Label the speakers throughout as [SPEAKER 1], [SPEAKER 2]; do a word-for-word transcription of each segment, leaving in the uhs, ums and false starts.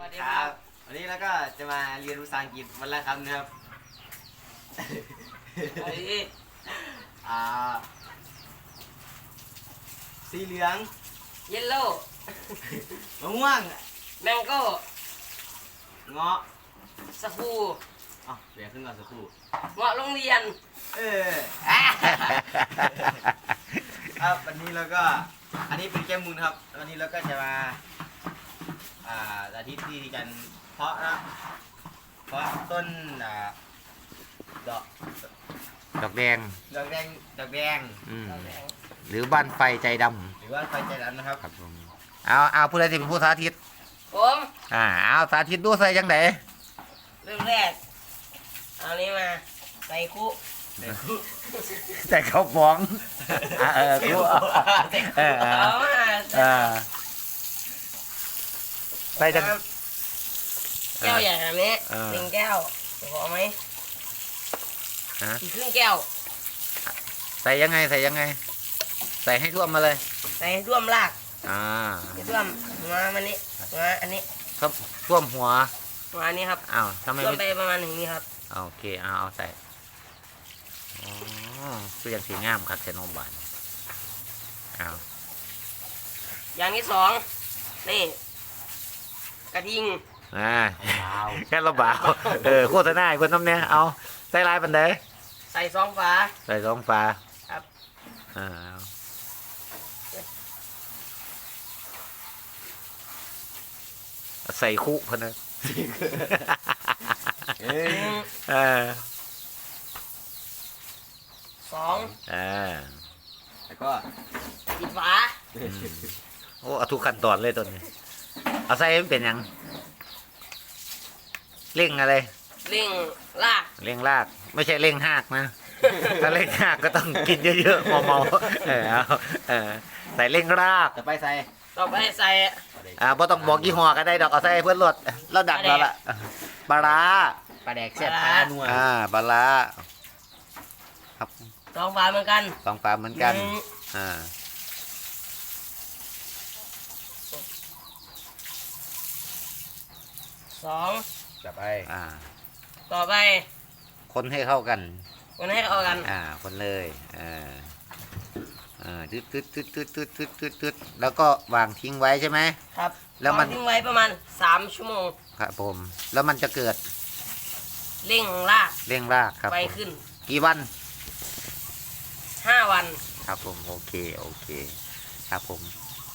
[SPEAKER 1] วัสดีครับวันนี้เราก็จะมาเรียนภาษาอังกฤษวันละคำนะครับอ่าสีเหลือง
[SPEAKER 2] เยลโล่
[SPEAKER 1] มะม่วง
[SPEAKER 2] แมงโก้
[SPEAKER 1] เงาะ
[SPEAKER 2] สกู
[SPEAKER 1] อ๋อเดี๋ยวขึ้นก่อนสักครู่
[SPEAKER 2] เงาะโรงเรียน
[SPEAKER 1] เออครับวันนี้เราก็อันนี้เป็นแก้มมูลครับวันนี้เราก็จะมาอ่าอาทิตย์ที่กันเพาะนะเพาะต้นอ่าดอก
[SPEAKER 3] ดอกแดง
[SPEAKER 1] ดอกแดงดอกแดง
[SPEAKER 3] อืมหรือบ้านไฟใจด
[SPEAKER 1] หรือว่าไฟใจดำนะครับ
[SPEAKER 3] ำครับผมเอาเอาผู้ใดที่เป็นผู้สาธิต
[SPEAKER 2] ผม
[SPEAKER 3] อ่าเอาสาธิตดูใส่จังได
[SPEAKER 2] เริ่มแรกเอานี้มาใส่คุ
[SPEAKER 3] ใส่ข้าวฟองอ่าเออกูเอาเออเอ
[SPEAKER 2] เอา
[SPEAKER 3] อ
[SPEAKER 2] มา
[SPEAKER 3] เออใส่จัง
[SPEAKER 2] แก้วใหญ่แบบนี้
[SPEAKER 3] เออ
[SPEAKER 2] หนึ่งแก้วพอไหม
[SPEAKER 3] ฮะ
[SPEAKER 2] อีกครึ่งแก้ว
[SPEAKER 3] ใส่ยังไงใส่ยังไง ใส่ให้ท่วมมาเลย
[SPEAKER 2] ใส่ให้ท่วมราก
[SPEAKER 3] อ่า
[SPEAKER 2] ให้ท่วมหัวมันนี้หัวอันนี้
[SPEAKER 3] ท่วมท่วมหัว
[SPEAKER 2] หัวอันนี้ครับ
[SPEAKER 3] อ้าวทำไม
[SPEAKER 2] ท่วมไป
[SPEAKER 3] ไม่
[SPEAKER 2] ประมาณหนึ่งนี้ครับ
[SPEAKER 3] เอาโอเคเอาเอาใส่อ๋อคือยังสีงามครับเซนอมบานเอา
[SPEAKER 2] อย่างที่สองนี่กระทิง
[SPEAKER 3] อ่าแค่ระบาวเออโฆษณาให้คนน้ำเนี่ยเอาใส่ลายปันเด
[SPEAKER 2] ใส่สองฝา
[SPEAKER 3] ใส่สองฟ้า
[SPEAKER 2] ครับ
[SPEAKER 3] อ่าใส่คุพะนะ
[SPEAKER 1] เอ้ย
[SPEAKER 3] เออ
[SPEAKER 2] สอง
[SPEAKER 3] อ่า
[SPEAKER 1] แล้วก็
[SPEAKER 2] ปิดฝา
[SPEAKER 3] อืมโอ้เอาทุกขั้นตอนเลยตัวนี้เอาใส่ให้มันเป็นหยังเร่งอะไร
[SPEAKER 2] เร่งราก
[SPEAKER 3] เร่งรากไม่ใช่เร่งหากนะ ถ้าเร่งหากก็ต้องกินเยอะๆเมาๆเออเอาเออใส่เร่งราก
[SPEAKER 1] จะไปใส่
[SPEAKER 2] ต่อไปใส่
[SPEAKER 3] อ่าบ่ต้องบอกยี่ห้อก็ได้ดอกเอาใส่ให้เพื่อนรดแล้วดักแล้วล่ะปลาร้า
[SPEAKER 1] ปลาแดกแซ่บปลานัว
[SPEAKER 3] อ่าปลาร้าครับ
[SPEAKER 2] สองฝาเหมือนกัน
[SPEAKER 3] สองปลาเหมือนกัน
[SPEAKER 2] หง
[SPEAKER 3] อ่า
[SPEAKER 2] สอง
[SPEAKER 1] จะไป
[SPEAKER 3] อ่า
[SPEAKER 2] ต่อไป
[SPEAKER 3] คนให้เข้ากัน
[SPEAKER 2] คนให้เข้ากัน
[SPEAKER 3] อ่าคนเลยอ่าอ่าตึ๊ดตึ๊ดตึ๊ดตึ๊ดตึ๊ดตึ๊ดตึ๊ดตึ๊ดแล้วก็วางทิ้งไว้ใช่ไหม
[SPEAKER 2] ครับ
[SPEAKER 3] แล้วมัน
[SPEAKER 2] วางทิ้งไว้ประมาณสามชั่วโมง
[SPEAKER 3] ครับผมแล้วมันจะเกิด
[SPEAKER 2] เร่งราก
[SPEAKER 3] เร่งรากครับ
[SPEAKER 2] ไป
[SPEAKER 3] ผม
[SPEAKER 2] ขึ้น
[SPEAKER 3] กี่วัน
[SPEAKER 2] ห้าวัน
[SPEAKER 3] ครับผมโอเคโอเคครับผม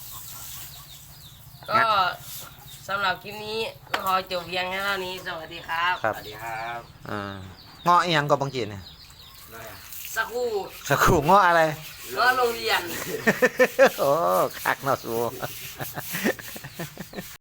[SPEAKER 2] ก็สำหรับคลิปนี้ก็ขอจบเพียงแค่เท่านี้ สวัสดีครับ
[SPEAKER 3] ครับ
[SPEAKER 1] สวัสดีครับ
[SPEAKER 3] อ่าเงาะอีหยังก็บางจีเนี่ย
[SPEAKER 1] ได้อะ
[SPEAKER 2] สักครู่
[SPEAKER 3] สักครู่เงาะอะไร
[SPEAKER 2] ก็โรงเรียน
[SPEAKER 3] โอ้คักเนาะสู